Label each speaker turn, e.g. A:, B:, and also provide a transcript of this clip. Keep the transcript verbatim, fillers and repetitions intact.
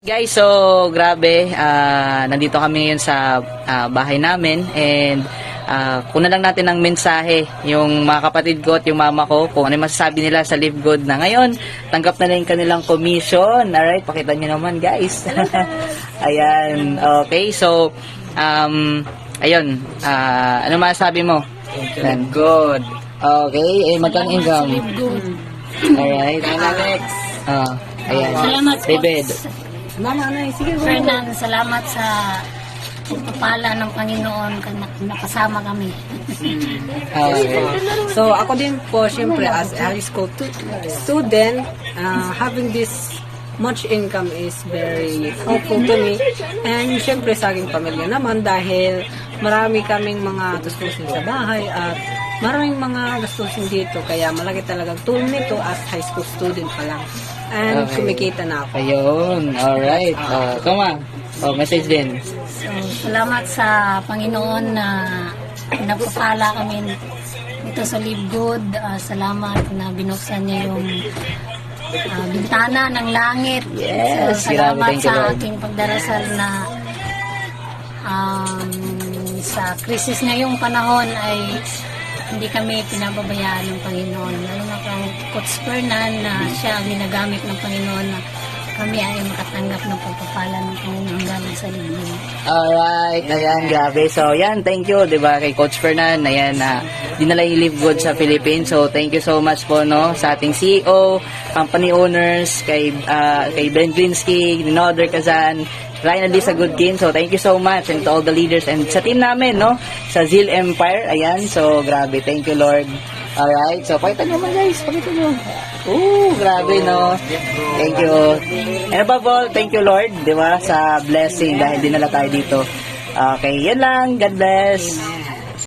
A: Guys, so grabe, ah, nandito kami ngayon sa ah, bahay namin and uh, kuna lang natin ng mensahe yung mga kapatid ko at yung mama ko kung ano yung masasabi nila sa Live Good na ngayon tanggap na na yung kanilang commission. Alright, pakita nyo naman guys. Ayan, okay, so um, ayun, ah, ano masasabi mo? Live Good. Okay, eh magkano income?
B: Live Good.
A: Alright.
B: Alex.
A: Ah, ayan.
B: Salamat po.
A: David.
B: Mama, ano, sige. Fernan, salamat sa pagpapala ng Panginoon na nakasama kami.
A: Okay.
C: So ako din po, syempre, as a high school tu- student, uh, having this much income is very helpful to me. And syempre sa aking pamilya naman dahil marami kaming mga gastusin sa bahay at maraming mga gastusin dito. Kaya malaki talagang tulong nito as high school student pa lang. And
A: Okay.
C: kumikita na ako.
A: Ayun, alright. Uh, come on. Oh, message din.
B: So, salamat sa Panginoon na nagpapala kami dito sa Live Good. Ah, salamat na binuksan niya yung ah, bintana ng langit.
A: Yes,
B: So,
A: grabe.
B: salamat
A: Thank you,
B: sa
A: Lord.
B: aking pagdarasal na um, sa krisis ngayong panahon ay hindi kami pinababayaan ng Panginoon. Lalo na kang Coach Fernan na siya ang ginagamit ng Panginoon na kami ay makatanggap ng pagpapala ng Panginoon galing sa libro.
A: Alright, ayan, grabe. So, yan, thank you, di ba, kay Coach Fernan, ayan, na dinala yung Live Good sa Philippines. So, thank you so much po, no, sa ating C E O, company owners, kay, ah, kay Ben Glinsky, Ninoder Kazan, Ryan Alisa Goodkin. So, thank you so much and to all the leaders and sa team namin, no, sa Zeal Empire, ayan. So, grabe, thank you, Lord. Alright, so, pakita nyo naman, guys, pakita nyo. Ooh, grabe, no. Thank you. And above all, thank you, Lord, di ba, sa blessing dahil dinala tayo dito. Okay, yan lang. God bless.